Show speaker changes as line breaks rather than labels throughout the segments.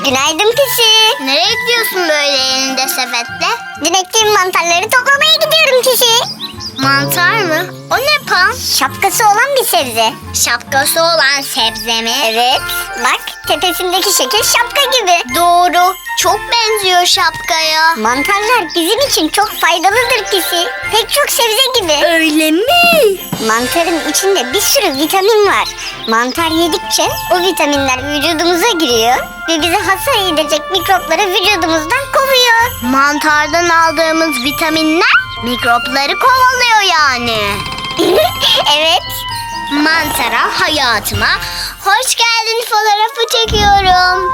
Günaydın Pisi.
Nereye gidiyorsun böyle elinde sepetle?
Dün ektiğim mantarları toplamaya gidiyorum Pisi.
Mantar mı? O ne Pan?
Şapkası olan bir sebze.
Şapkası olan sebze mi?
Evet. Bak tepesindeki şekil şapka gibi.
Doğru. Çok benziyor şapkaya.
Mantarlar bizim için çok faydalıdır Pisi. Pek çok sebze gibi.
Öyle mi?
Mantarın içinde bir sürü vitamin var. Mantar yedikçe o vitaminler vücudumuza giriyor ve bizi hasar edecek mikropları vücudumuzdan kovuyor.
Mantardan aldığımız vitaminler mikropları kovalıyor yani.
Evet.
Mantara hayatıma hoş geldin fotoğrafı çekiyorum.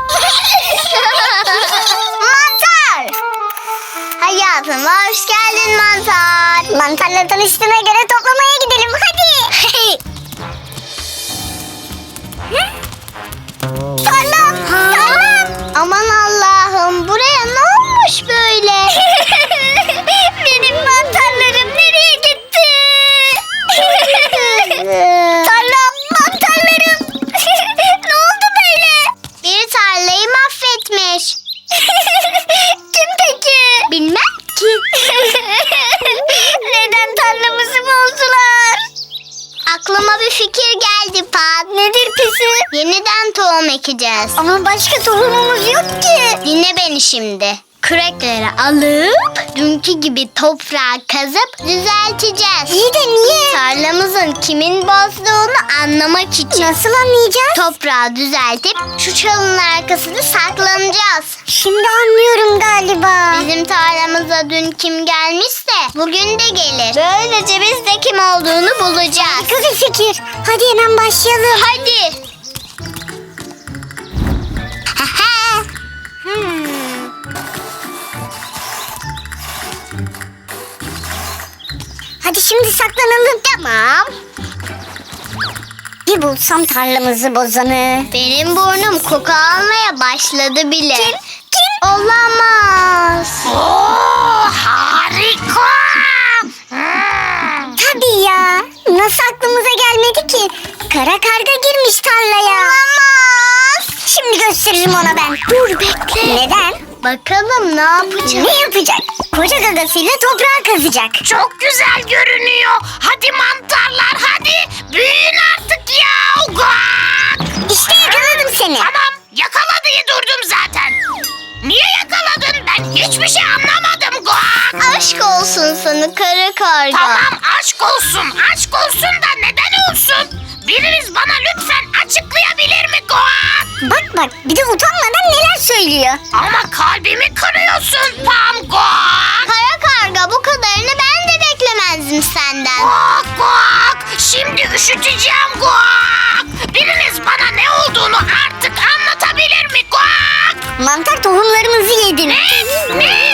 Mantar! Hayatıma hoş geldin mantar.
Mantarla tanıştığına göre toplamaya gidelim hadi. Tarlam. Tarlam.
Aman Allah'ım, buraya ne olmuş böyle?
Benim mantarlarım nereye gitti? Tarlam, mantarlarım. Ne oldu böyle?
Bir tarlayı mahvetmiş.
Kim peki?
Bilmem ki.
Neden tarlamızı bozdular?
Aklıma bir fikir geldi Pat.
Nedir Pisi?
Yeniden tohum ekeceğiz.
Ama başka tohumumuz yok ki.
Dinle beni şimdi. Kürekleri alıp dünkü gibi toprağı kazıp düzelteceğiz.
İyi de niye?
Tarlamızın kimin bozduğunu anlamak için.
Nasıl anlayacağız?
Toprağı düzeltip şu çalının arkasında saklanacağız.
Şimdi anlıyorum galiba.
Bizim tarlamıza dün kim gelmişse bugün de gelir. Böylece biz de kim olduğunu bulacağız.
Harika bir fikir. Hadi hemen başlayalım.
Hadi.
Hadi şimdi saklanalım.
Tamam.
Bir bulsam tarlamızı bozanı.
Benim burnum koku almaya başladı bile.
Kim?
Olamaz.
Harika. Tabii ya. Nasıl aklımıza gelmedi ki? Kara karga girmiş tarlaya.
Olamaz.
Şimdi gösteririm ona ben.
Dur bekle.
Neden?
Bakalım ne yapacak?
Ne yapacak? Koca gagasıyla toprağı kazacak.
Çok güzel görünüyor. Hadi mantarlar hadi. Büyüyün artık ya. Guak!
İşte yakaladım seni.
Tamam yakala diye durdum zaten. Niye yakaladın? Ben hiçbir şey anlamadım. Guak!
Aşk olsun sana kara karga.
Tamam aşk olsun. Aşk olsun da neden olsun? Biriniz bana lütfen açıklayabilir mi Guak?
Bak bir de utanmadan neler söylüyor.
Ama kalbimi kırıyorsun Pam Guak.
Kara karga, bu kadarını ben de beklemezdim senden.
Guak guak. Şimdi üşüteceğim guak. Biriniz bana ne olduğunu artık anlatabilir mi guak?
Mantar tohumlarımızı yedin.
Ne?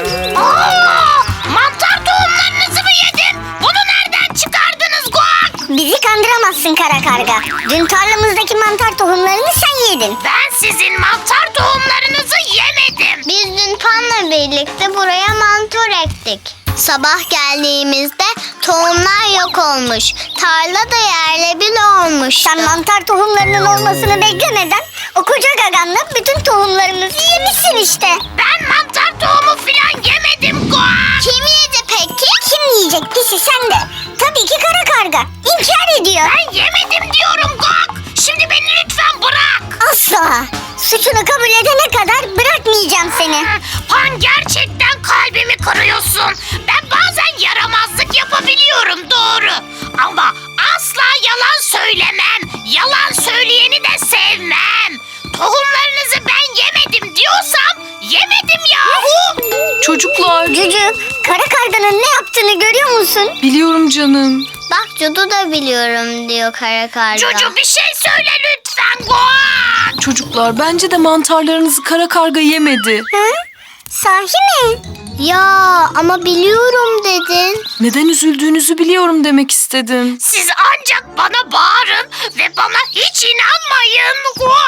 Aa, mantar tohumlarınızı mı yedin? Bunu nereden çıkardınız guak?
Bizi kandıramazsın kara karga. Dün tarlamızdaki mantar tohumlarını sen yedin.
Ben sizin mantar tohumlarınızı yemedim.
Biz dün Pan'la birlikte buraya mantar ektik. Sabah geldiğimizde tohumlar yok olmuş. Tarla da yerle bir olmuş.
Sen mantar tohumlarının olmasını beklemeden o koca gaganla bütün tohumlarımızı yemişsin işte.
Ben mantar tohumu filan yemedim guak.
Kim yedi peki?
Kim yiyecek pisi sen de? Tabii ki kara karga. İnkar ediyor.
Ben yemedim diyorum guak. Şimdi beni lütfen bırak.
Asla. Suçunu kabul edene kadar bırakmayacağım seni.
Pan gerçekten kalbimi kırıyorsun. Ben bazen yaramazlık yapabiliyorum doğru. Ama asla yalan söylemem. Yalan söyleyeni de sevmem. Tohumlarınızı ben yemedim diyorsam yemedim yahu.
Çocuklar,
Cücü, kara karganın ne yaptığını görüyor musun?
biliyorum canım.
Bak Cudu da biliyorum diyor kara karga.
Çocuğum bir şey söyle lütfen. Guak.
Çocuklar, bence de mantarlarınızı kara karga yemedi.
Hı? Sahi mi?
Ya ama biliyorum dedin.
Neden üzüldüğünüzü biliyorum demek istedim.
Siz ancak bana bağırın ve bana hiç inanmayın.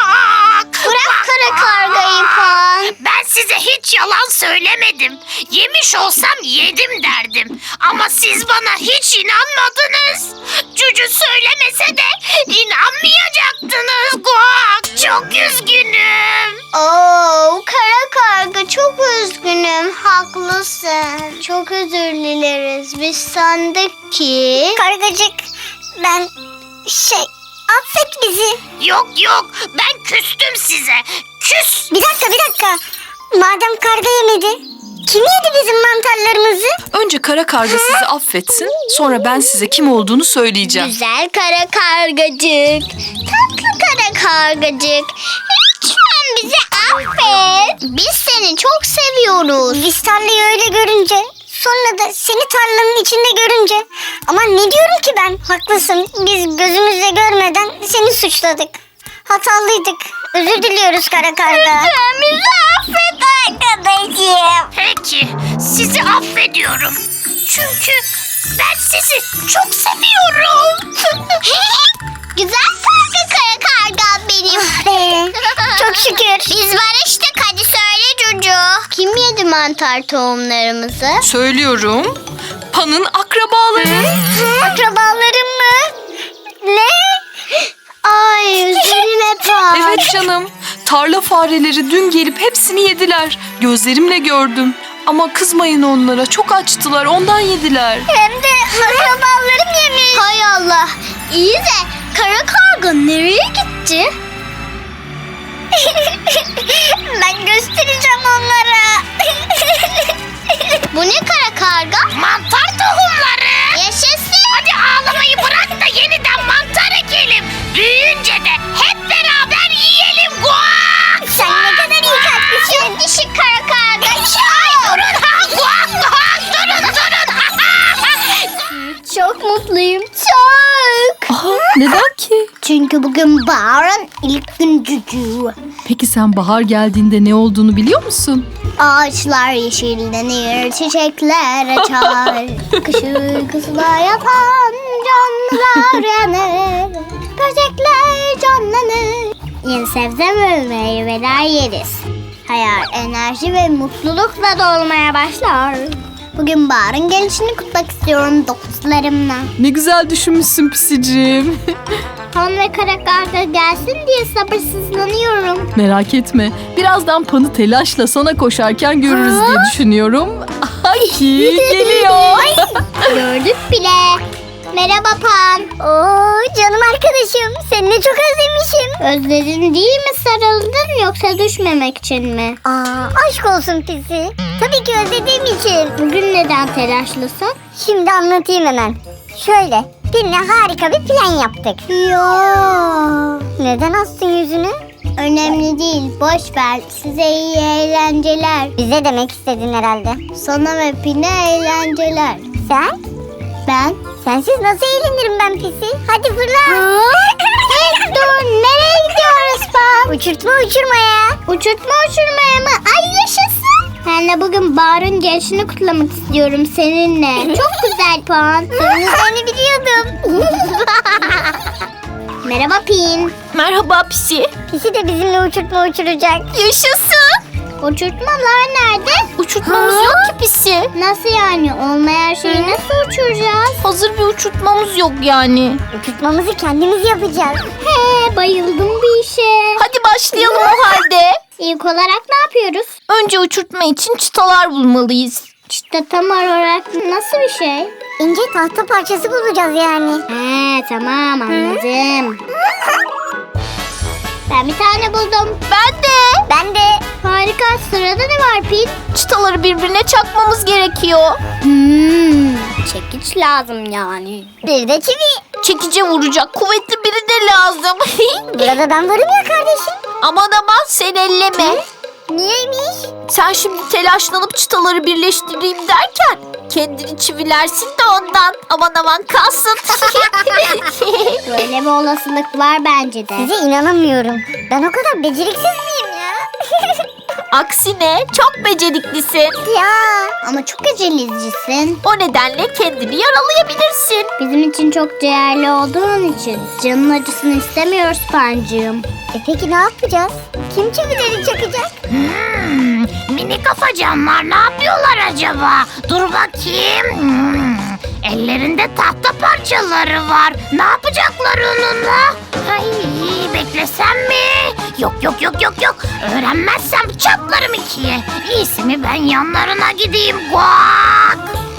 Guak.
Bırak kara kargayı Pan.
Ben size hiç yalan söylemedim. Yemiş olsam yedim derdim. Ama siz bana hiç inanmadınız. Cücü söylemese de inanmayacaktınız. Guak. Çok üzgünüm.
Oo, kara karga çok üzgünüm. Haklısın. Çok özür dileriz. Biz sandık ki...
Kargacık ben affet bizi.
Yok yok, ben küstüm size. Küs.
Bir dakika. Madem karga yemedi, kim yedi bizim mantarlarımızı?
Önce kara karga sizi affetsin. Sonra ben size kim olduğunu söyleyeceğim.
Güzel kara kargacık. Tatlı kara kargacık. Lütfen bizi affet. Biz seni çok seviyoruz.
Biz tarlayı öyle görünce, sonra da seni tarlanın içinde görünce. Ama ne diyorum ki ben? Haklısın. Biz gözümüzle görmeden seni suçladık. Hatalıydık. Özür diliyoruz kara karga.
Lütfen bizi affet arkadaşım.
Peki, sizi affediyorum. Çünkü ben sizi çok seviyorum.
Güzel kara karga benim.
Çok şükür.
Biz barıştık, hadi söyle Cucu. Kim yedi mantar tohumlarımızı?
Söylüyorum. Pan'ın akrabaları.
Akrabalarım mı? Ne?
Ay üzülme Pan.
Evet canım. Tarla fareleri dün gelip hepsini yediler. Gözlerimle gördüm. Ama kızmayın onlara. Çok açtılar. Ondan yediler.
Hem de akrabalarım yemiş.
Hay Allah. İyi de kara karga nereye gitti?
Ben göstereceğim onlara.
Bu ne kara karga?
Mantar tohumları.
Yaşasın.
Hadi ağlamayı bırak da yeniden mantar ekelim. Büyüyünce de hep beraber yiyelim. Guak!
Sen ne kadar iyi kalplisin.
Çok dişi kara karga.
Ay durun ha! Guak guak! Durun!
Çok mutluyum. Çok.
Aha, neden ki?
Çünkü bugün baharın ilk gün Cucu.
Peki sen bahar geldiğinde ne olduğunu biliyor musun?
Ağaçlar yeşillenir, çiçekler açar. Kış uykusuna yatan canlılar uyanır. Böcekler canlanır. Yeni sebze ve meyveler yeriz. Hayat, enerji ve mutlulukla dolmaya başlar. Bugün baharın gelişini kutmak istiyorum dostlarımla.
Ne güzel düşünmüşsün pisicim.
Han ve kara karga gelsin diye sabırsızlanıyorum.
Merak etme. Birazdan Pan'ı telaşla sana koşarken görürüz diye düşünüyorum. Ay geliyor.
Gördük bile. Merhaba Pan.
Oo canım arkadaşım. Seni çok özlemişim.
Özledin değil mi, sarıldın yoksa düşmemek için mi?
Aşk olsun pisi. Tabii ki özlediğim için.
Bugün neden telaşlısın?
Şimdi anlatayım hemen. Şöyle, birine harika bir plan yaptık.
Yo.
Neden astın yüzünü?
Önemli değil, boş ver. Size iyi eğlenceler.
Bize demek istedin herhalde.
Sana ve Pine eğlenceler.
Sen?
Ben?
Sensiz nasıl eğlenirim ben pisi? Hadi fırla.
Hey, dur, nereye gidiyoruz Pan?
Uçurtma uçurmaya.
Uçurtma uçurmaya mı? Ay yaşasın. Ben de bugün baharın gelişini kutlamak istiyorum seninle. Çok güzel Pan.
Seni biliyordum.
Merhaba Pin.
Merhaba pisi.
Pisi de bizimle uçurtma uçuracak.
Yaşasın. Uçurtmalar nerede?
Uçurtmamız yok ki pisi.
Nasıl yani? Olmayan şeyi nasıl uçuracağız?
Hazır bir uçurtmamız yok yani.
Uçurtmamızı kendimiz yapacağız.
He, bayıldım bir işe.
Hadi başlayalım o halde.
İlk olarak ne yapıyoruz?
Önce uçurtma için çıtalar bulmalıyız.
İşte tam olarak nasıl bir şey?
İnce tahta parçası bulacağız yani.
He, tamam anladım. Ben bir tane buldum.
Ben de.
Harika, sırada ne var Pin?
Çıtaları birbirine çakmamız gerekiyor.
Çekiç lazım yani.
Bir de çivi.
Çekice vuracak kuvvetli biri de lazım.
Burada ben varım ya kardeşim.
Aman sen elleme.
Niyeymiş?
Sen şimdi telaşlanıp çıtaları birleştireyim derken kendini çivilersin de ondan. Aman kalsın.
Böyle bir olasılık var bence de.
Size inanamıyorum. Ben o kadar beceriksiz miyim ya?
Aksine çok beceriklisin.
Ya.
Ama çok acelecisin.
O nedenle kendini yaralayabilirsin.
Bizim için çok değerli olduğun için canın acısını istemiyoruz Pancığım.
Peki ne yapacağız? Kim çivileri çakacak?
Mini kafacanlar ne yapıyorlar acaba? Dur bakayım. Ellerinde tahta parçaları var. Ne yapacaklar onunla? Ay, beklesem mi? Yok. Öğrenmezsem çatlarım ikiye. İyisi mi ben yanlarına gideyim. Guak!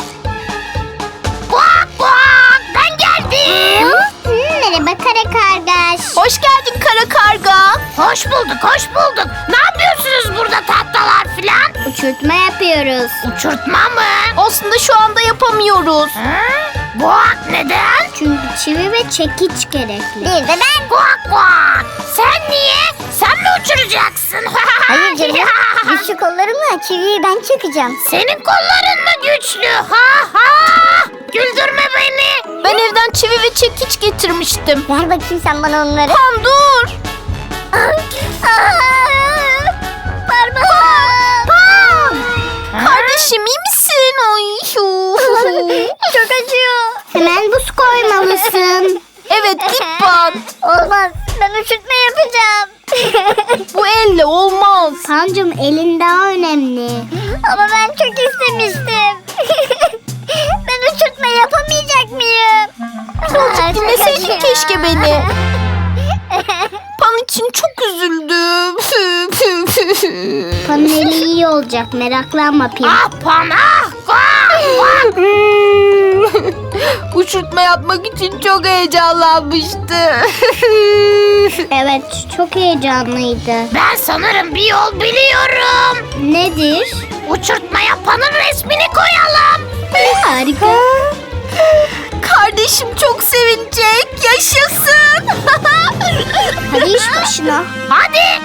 Guak! Ben geldim.
Merhaba kara kargaş.
Hoş geldin kara karga.
Hoş bulduk. Ne yapıyorsunuz burada tahtalar filan?
Uçurtma yapıyoruz.
Uçurtma mı?
Aslında şu anda yapamıyoruz.
Hı? Guak neden?
Çünkü çivi ve çekiç gerekli.
Bir de ben.
Guak! Sen niye? Sen mi uçuracaksın?
Hayır canım. Güçlü kollarımla çiviyi ben çakacağım.
Senin kolların mı güçlü? Güldürme beni.
Ben evden çivi ve çekiç getirmiştim.
Ver bakayım sen bana onları.
Pan dur.
Parmağım.
Kardeşim iyi misin? Ay.
Çok acıyor.
Hemen buz koymalısın.
Evet git Pan.
Olmaz. Ben uçurtma yapacağım.
Bu elle olmaz.
Pancım elin daha önemli.
Ama ben çok istemiştim. Ben uçurtma yapamayacak mıyım?
Dinleseydin keşke beni. Pan için çok üzüldüm.
Panın eli iyi olacak, meraklanma Pim.
Guak!
Uçurtma yapmak için çok heyecanlanmıştı.
Evet, çok heyecanlıydı.
Ben sanırım bir yol biliyorum.
Nedir?
Uçurtma yapanın resmini koyalım.
Harika.
Kardeşim çok sevinecek. Yaşasın.
Hadi iş başına.
Hadi.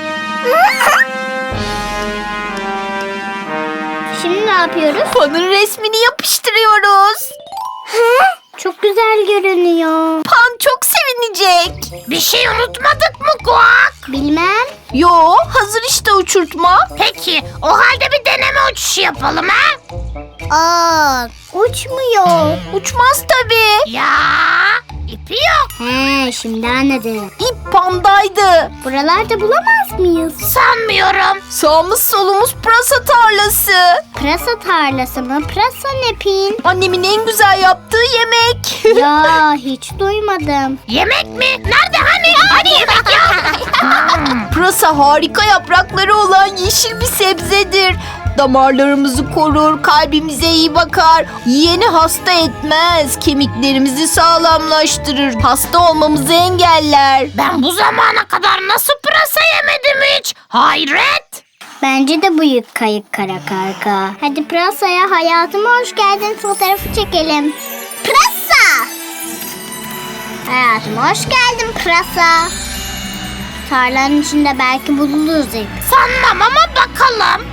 Şimdi ne yapıyoruz?
Pan'ın resmini yapıştırıyoruz.
Çok güzel görünüyor.
Pan çok sevinecek.
Bir şey unutmadık mı Guak?
Bilmem.
Yo, hazır işte uçurtma.
Peki o halde bir deneme uçuşu yapalım ha?
Aa, uçmuyor.
Uçmaz tabii.
Ya ipi yok.
He, şimdi anladım.
İp Pan'daydı.
Buralarda bulamaz mıyız?
Sanmıyorum.
Sağımız solumuz pırasa tarlası.
Pırasa tarlası mı? Pırasa ne Pin?
Annemin en güzel yaptığı yemek.
Ya hiç duymadım.
Yemek mi? Nerede hani yemek yok?
Pırasa harika yaprakları olan yeşil bir sebzedir. Damarlarımızı korur, kalbimize iyi bakar. Yiyeni hasta etmez, kemiklerimizi sağlamlaştırır, hasta olmamızı engeller.
Ben bu zamana kadar nasıl pırasa yemedim hiç? Hayret.
Bence de büyük kayık kara karga. Hadi pırasaya hayatıma hoş geldin fotoğrafı çekelim. Pırasa! Hayatıma hoş geldin pırasa. Tarlanın içinde belki buluruz ip.
Sanmam ama bakalım.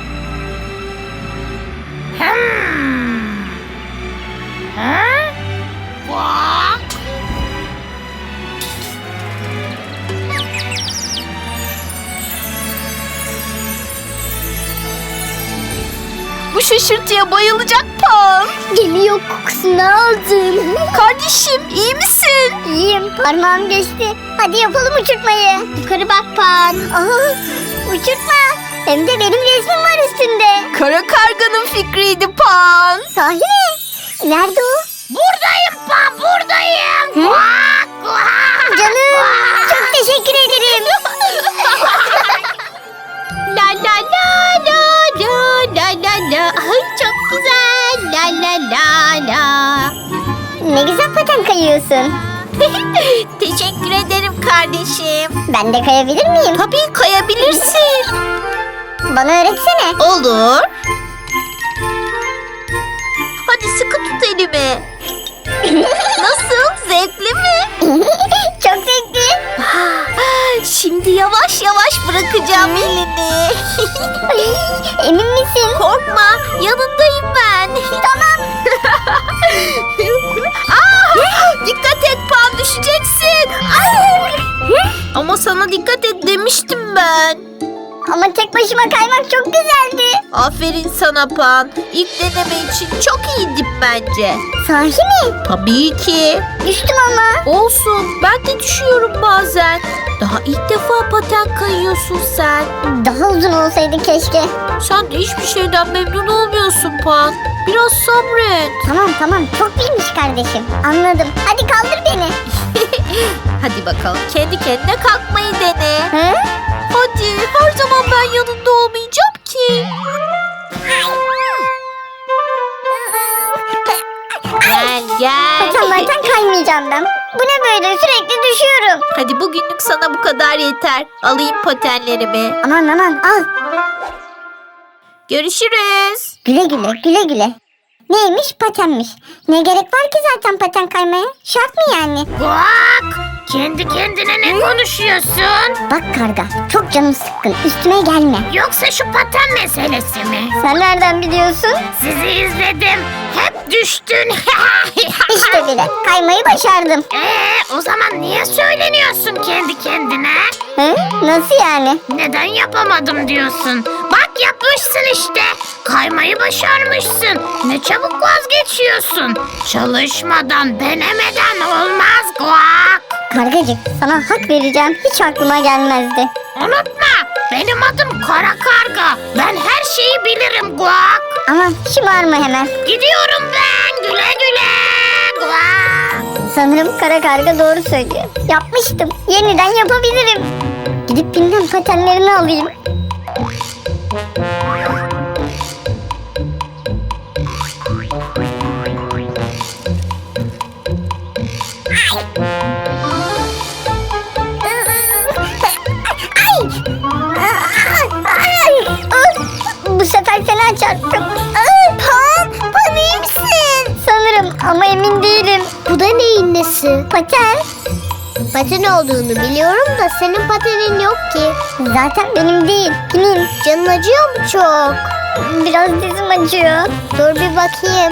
Guak.
Bu şaşırtıya bayılacak Pan.
Geliyor, kokusunu aldım.
Kardeşim iyi misin?
İyiyim. Parmağım geçti. Hadi yapalım uçurtmayı.
Yukarı bak Pan.
Aa, uçurtma. Hem de benim resmim var üstünde.
Kara karganın fikriydi Pan.
Sahi mi? Nerede o?
Buradayım Pan, buradayım. Guak, guak,
Canım.
guak.
Çok teşekkür ederim.
La la la la la la la la. Ay çok güzel. La la la la.
Ne güzel paten kayıyorsun.
Teşekkür ederim kardeşim.
Ben de kayabilir miyim?
Tabii kayabilirsin.
Bana öğretsene.
Olur. Hadi sıkı tut elimi. Nasıl? Zevkli mi?
Çok zevkli.
Şimdi yavaş yavaş bırakacağım elini.
Emin misin?
Korkma, yanındayım ben.
Tamam.
Dikkat et Pan, düşeceksin. Ama sana dikkat et demiştim ben.
Ama tek başıma kaymak çok güzeldi.
Aferin sana Pan. İlk deneme için çok iyiydin bence.
Sahi mi?
Tabii ki.
Düştüm ama.
Olsun. Ben de düşüyorum bazen. Daha ilk defa paten kayıyorsun sen.
Daha uzun olsaydı keşke.
Sen de hiçbir şeyden memnun olmuyorsun Pan. Biraz sabret.
Tamam çok bilmiş kardeşim. Anladım. Hadi kaldır beni.
Hadi bakalım kendi kendine kalkmayı dene.
Hı?
Hadi her zaman ben yanında olmayacağım ki. Gel.
Patenlerden kaymayacağım ben. Bu ne böyle, sürekli düşüyorum.
Hadi bugünlük sana bu kadar yeter. Alayım patenlerimi.
Aman al.
Görüşürüz.
Güle güle. Neymiş? Patenmiş. Ne gerek var ki zaten paten kaymaya? Şart mı yani?
Guak! Kendi kendine ne konuşuyorsun?
Bak karga, çok canım sıkkın. Üstüme gelme.
Yoksa şu paten meselesi mi?
Sen nereden biliyorsun?
Sizi izledim. Hep düştün.
İşte bile. Kaymayı başardım.
O zaman niye söyleniyorsun kendi kendine?
Hı? Nasıl yani?
Neden yapamadım diyorsun? Bak yapmışsın işte. Kaymayı başarmışsın. Ne çabuk vazgeçiyorsun. Çalışmadan, denemeden olmaz Guak.
Kargacık, sana hak vereceğim. Hiç aklıma gelmezdi.
Unutma, benim adım Kara Karga. Ben her şeyi bilirim Guak.
Ama şımarma hemen.
Gidiyorum ben. Güle güle Guak.
Sanırım kara karga doğru söylüyor. Yapmıştım. Yeniden yapabilirim. Gidip Pin'den patenlerini alayım. Bu sefer fena çarptım. Pan iyi misin? Sanırım ama emin değilim.
Bu da neyin nesi?
Paten.
Paten olduğunu biliyorum da senin patenin yok ki.
Zaten benim değil. Kimin?
Canın acıyor mu çok?
Biraz dizim acıyor.
Dur bir bakayım.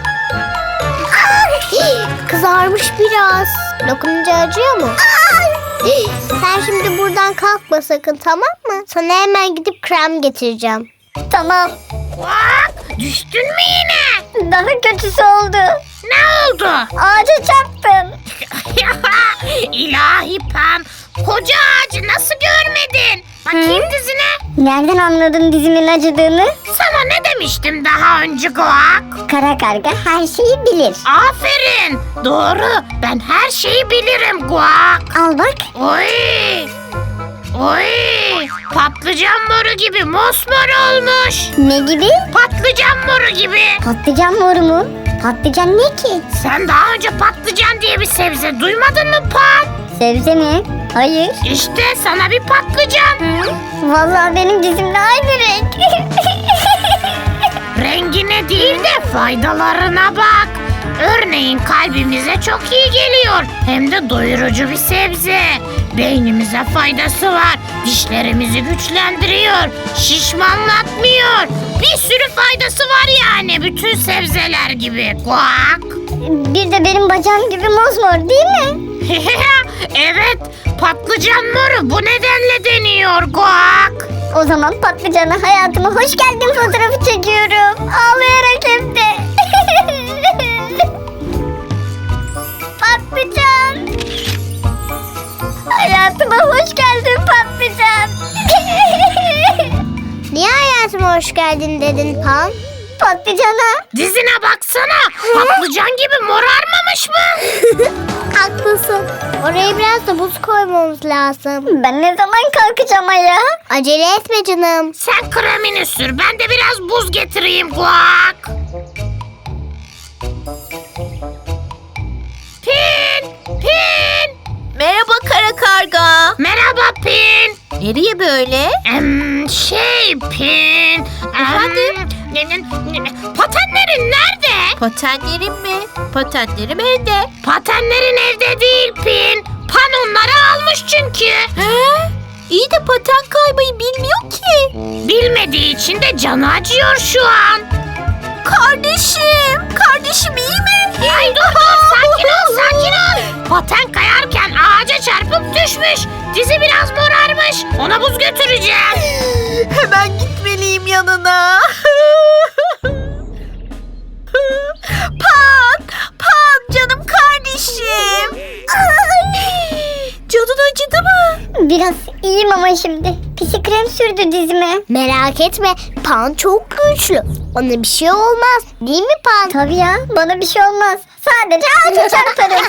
Kızarmış biraz. Dokununca acıyor mu? Sen şimdi buradan kalkma sakın, tamam mı? Sana hemen gidip krem getireceğim.
Tamam.
Guak, düştün mü yine?
Daha kötüsü oldu.
Ne oldu?
Ağaca çarptım.
İlahi Pan, koca ağacı nasıl görmedin? Bakayım dizine.
Nereden anladın dizimin acıdığını?
Sana ne demiştim daha önce Guak?
Kara karga her şeyi bilir.
Aferin. Doğru. Ben her şeyi bilirim Guak.
Al bak.
Oy. Oy. Patlıcan moru gibi mosmor olmuş.
Ne gibi?
Patlıcan moru gibi.
Patlıcan moru mu? Patlıcan ne ki?
Sen daha önce patlıcan diye bir sebze duymadın mı Pan?
Sebze mi? Hayır.
İşte sana bir patlıcan.
Vallahi benim dizimle aynı renk.
Rengine değil de faydalarına bak. Örneğin kalbimize çok iyi geliyor. Hem de doyurucu bir sebze. Beynimize faydası var. Dişlerimizi güçlendiriyor. Şişmanlatmıyor. Bir sürü faydası var yani bütün sebzeler gibi. Guak.
Bir de benim bacağım gibi mosmor değil mi?
Evet, patlıcan moru bu nedenle deniyor Guak.
O zaman patlıcana hayatıma hoş geldin fotoğrafı çekiyorum. Ağlayarak hem de. Patlıcan. Hayatıma hoş geldin patlıcan.
Niye hayatıma hoş geldin dedin Pan?
Patlıcana.
Dizine baksana. Patlıcan gibi morarmamış mı?
Haklısın. Oraya biraz da buz koymamız lazım.
Ben ne zaman kalkacağım ayağa?
Acele etme canım.
Sen kremini sür. Ben de biraz buz getireyim Guak. Pin! Pin!
Merhaba kara karga.
Merhaba Pin.
Nereye böyle?
Pin.
Efendim?
Patenlerin nerede?
Patenlerim mi? Patenlerim evde.
Patenlerin evde değil Pin. Pan onları almış çünkü.
He? İyi de paten kaymayı bilmiyor ki.
Bilmediği için de canı acıyor şu an.
Kardeşim iyi mi?
Ay dur sakin ol. Paten kayarken ağaca çarpıp düşmüş. Dizi biraz morarmış. Ona buz götüreceğim.
Hemen gitmeliyim yanına. Pan canım kardeşim. Canın acıdı mı?
Biraz iyiyim ama şimdi. Pisi krem sürdü dizime.
Merak etme, Pan çok güçlü. Ona bir şey olmaz. Değil mi Pan?
Tabii ya, bana bir şey olmaz. Sadece ağaca çarparım.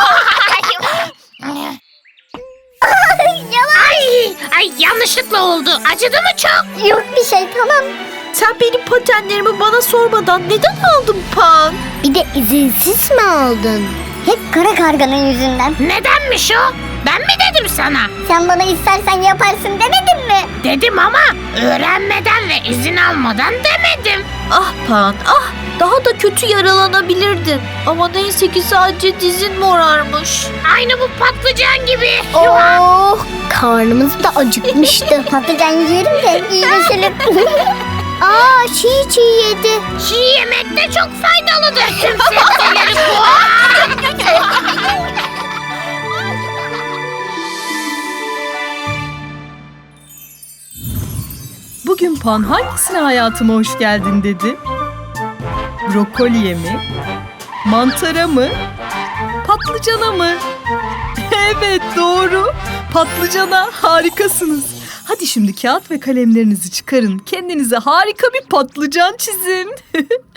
Ay yanlışlıkla oldu. Acıdı mı çok?
Yok bir şey, tamam.
Sen benim patenlerimi bana sormadan neden aldın Pan?
Bir de izinsiz mi aldın?
Hep kara karganın yüzünden.
Nedenmiş o? Ben mi dedim sana?
Sen bana istersen yaparsın demedin mi?
Dedim ama öğrenmeden ve izin almadan demedim.
Ah Pan ah, daha da kötü yaralanabilirdin. Ama neyse ki sadece dizin morarmış.
Aynı bu patlıcan gibi.
Oh, karnımız da acıkmıştı.
Patlıcan yiyelim de iyileşelim.
Aa, çiğ yedi.
Çiğ yemek de çok faydalıdır tüm sebzeleri bu.
Bugün Pan hangisine hayatıma hoş geldin dedi? Brokoliye mi? Mantara mı? Patlıcana mı? Evet doğru. Patlıcana harikasınız. Hadi şimdi kağıt ve kalemlerinizi çıkarın. Kendinize harika bir patlıcan çizin.